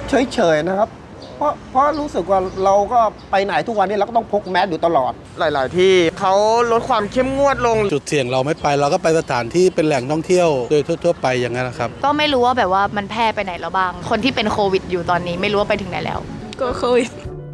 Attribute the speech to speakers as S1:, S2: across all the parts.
S1: เฉยๆนะครับเพราะรู้สึกว่าเราก็ไปไหนทุกวันนี้เราก็ต้องพกแมสอยู่ตลอด
S2: หลายๆที่เขาลดความเข้มงวดลง
S3: จุดเสี่ยงเราไม่ไปเราก็ไปสถานที่เป็นแหล่งท่องเที่ยวโดยทั่วๆไปอย่างนั้นนะครับ
S4: ก็ไม่รู้ว่าแบบว่ามันแพร่ไปไหนแล้วบ้างคนที่เป็นโควิดอยู่ตอนนี้ไม่รู้ว่าไปถึงไหนแล้ว
S5: ก็โควิด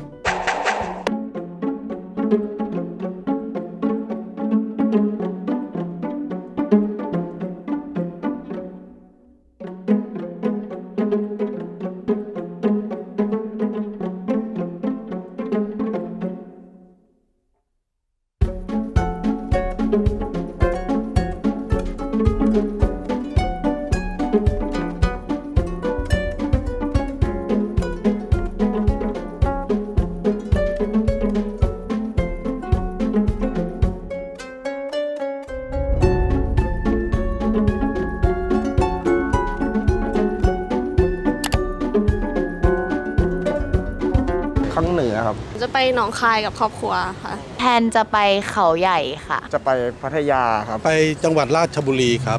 S1: ครั้งเหนือครับ
S5: จะไปหนองคายกับครอบครัวค่ะ
S4: แทนจะไปเขาใหญ่ค่ะ
S2: จะไปพัทยาครับ
S3: ไปจังหวัดราชบุรีครับ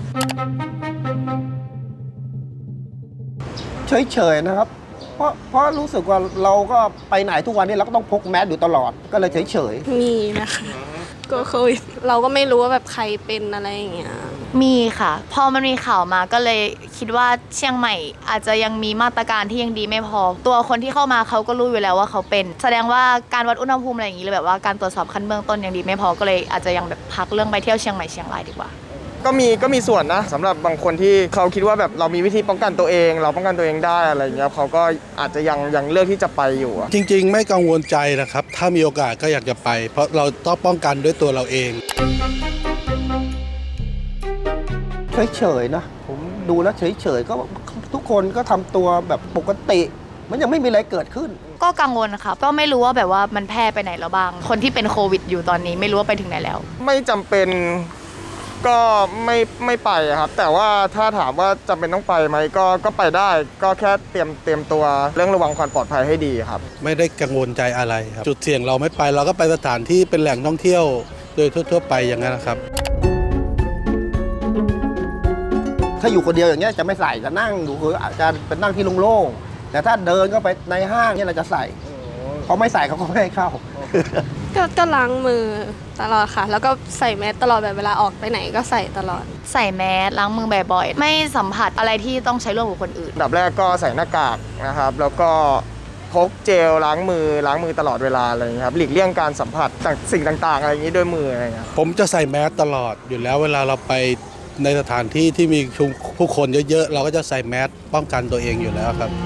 S1: เฉยๆนะครับเพราะรู้สึกว่าเราก็ไปไหนทุกวันนี้เราก็ต้องพกแมสอยู่ตลอดก็เลยเฉย
S5: ๆมีนะคะก็โควิดเราก็ไม่รู้ว่าแบบใครเป็นอะไรอย่างเงี้ย
S4: มีค่ะพอมันมีข่าวมาก็เลยคิดว่าเชียงใหม่อาจจะยังมีมาตรการที่ยังดีไม่พอตัวคนที่เข้ามาเขาก็รู้อยู่แล้วว่าเขาเป็นแสดงว่าการวัดอุณหภูมิอะไรอย่างนี้เลยแบบว่าการตรวจสอบขั้นเบื้องต้นยังดีไม่พอก็เลยอาจจะยังแบบพักเรื่องไปเที่ยวเชียงใหม่เชียงรายดีกว่า
S2: ก็มีส่วนนะสำหรับบางคนที่เขาคิดว่าแบบเรามีวิธีป้องกันตัวเองเราป้องกันตัวเองได้อะไรเงี้ยเขาก็อาจจะยังเลือกที่จะไปอยู่
S3: จริงๆไม่กังวลใจนะครับถ้ามีโอกาสก็อยากจะไปเพราะเราต้องป้องกันด้วยตัวเราเอง
S1: ๆนะผมดูแล้วเฉยๆก็ทุกคนก็ทำตัวแบบปกติมันยังไม่มีอะไรเกิดขึ้น
S4: ก็กังวลค่ะก็ไม่รู้ว่าแบบว่ามันแพร่ไปไหนแล้วบ้างคนที่เป็นโควิดอยู่ตอนนี้ไม่รู้ว่าไปถึงไหนแล้ว
S2: ไม่จำเป็นก็ไม่ไปครับแต่ว่าถ้าถามว่าจำเป็นต้องไปไหมก็ไปได้ก็แค่เตรียมตัวเรื่องระวังความปลอดภัยให้ดีครับ
S3: ไม่ได้กังวลใจอะไรครับจุดเสี่ยงเราไม่ไปเราก็ไปสถานที่เป็นแหล่งท่องเที่ยวโดยทั่วๆไปอย่างนั้นนะครับ
S1: ถ้าอยู่คนเดียวอย่างเงี้ยจะไม่ใส่จะนั่งอยู่คืออาจจะเป็นนั่งที่โล่งๆแต่ถ้าเดินก็ไปในห้างเนี่ยเราจะใส่เขาไม่ใส่เขาก็ไม่ให้เข้า
S5: ก็ล้างมือตลอดค่ะแล้วก็ใส่แมสตลอดแบบเวลาออกไปไหนก็ใส่ตลอด
S4: ใส่แมสล้างมือบ่อยๆไม่สัมผัสอะไรที่ต้องใช้ร่วมกับคนอื่น
S2: อันดับแรกก็ใส่หน้ากากนะครับแล้วก็พกเจลล้างมือตลอดเวลาอะไรอย่างนี้ครับหลีกเลี่ยงการสัมผัสสิ่งต่างๆอะไรอย่างนี้ด้วยมืออะไรอย่างนี้
S3: ผมจะใส่แมสตลอดอยู่แล้วเวลาเราไปในสถานที่ที่มีผู้คนเยอะๆเราก็จะใส่แมสป้องกันตัวเองอยู่แล้วครับ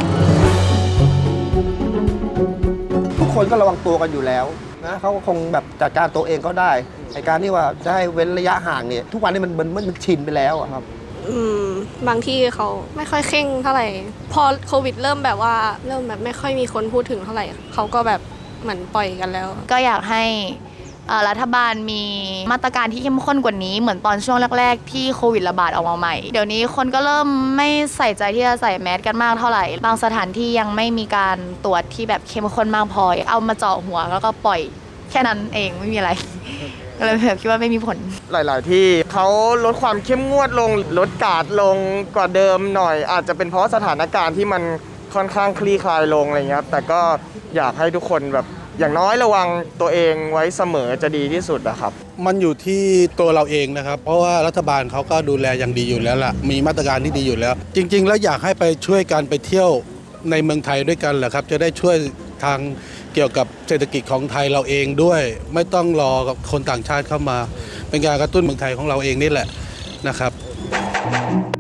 S1: ทุกคนก็ระวังตัวกันอยู่แล้วนะเขาก็คงแบบจัดการตัวเองก็ได้ในการที่ว่าจะให้เว้นระยะห่างเนี่ยทุกวันนี้มันชินไปแล้วครับ
S5: บางที่เขาไม่ค่อยเคร่งเท่าไหร่พอโควิดเริ่มแบบไม่ค่อยมีคนพูดถึงเท่าไหร่เขาก็แบบเหมือนปล่อยกันแล้ว
S4: ก็อยากให้รัฐบาลมีมาตรการที่เข้มข้นกว่านี้เหมือนตอนช่วงแรกๆที่โควิดระบาดออกมาใหม่เดี๋ยวนี้คนก็เริ่มไม่ใส่ใจที่จะใส่แมสกันมากเท่าไหร่บางสถานที่ยังไม่มีการตรวจที่แบบเข้มข้นมากพอเอามาเจาะหัวแล้วก็ปล่อยแค่นั้นเองไม่มีอะไรก็เลยแบบคิดว่าไม่มีผล
S2: หลายๆที่เขาลดความเข้มงวดลงลดการ์ดลงกว่าเดิมหน่อยอาจจะเป็นเพราะสถานการณ์ที่มันค่อนข้างคลี่คลายลงอะไรเงี้ยแต่ก็อยากให้ทุกคนแบบอย่างน้อยระวังตัวเองไว้เสมอจะดีที่สุดนะครับ
S3: มันอยู่ที่ตัวเราเองนะครับเพราะว่ารัฐบาลเขาก็ดูแลอย่างดีอยู่แล้วล่ะมีมาตรการที่ดีอยู่แล้วจริงๆแล้วอยากให้ไปช่วยกันไปเที่ยวในเมืองไทยด้วยกันแหละครับจะได้ช่วยทางเกี่ยวกับเศรษฐกิจของไทยเราเองด้วยไม่ต้องรอกับคนต่างชาติเข้ามาเป็นการกระตุ้นเมืองไทยของเราเองนี่แหละนะครับ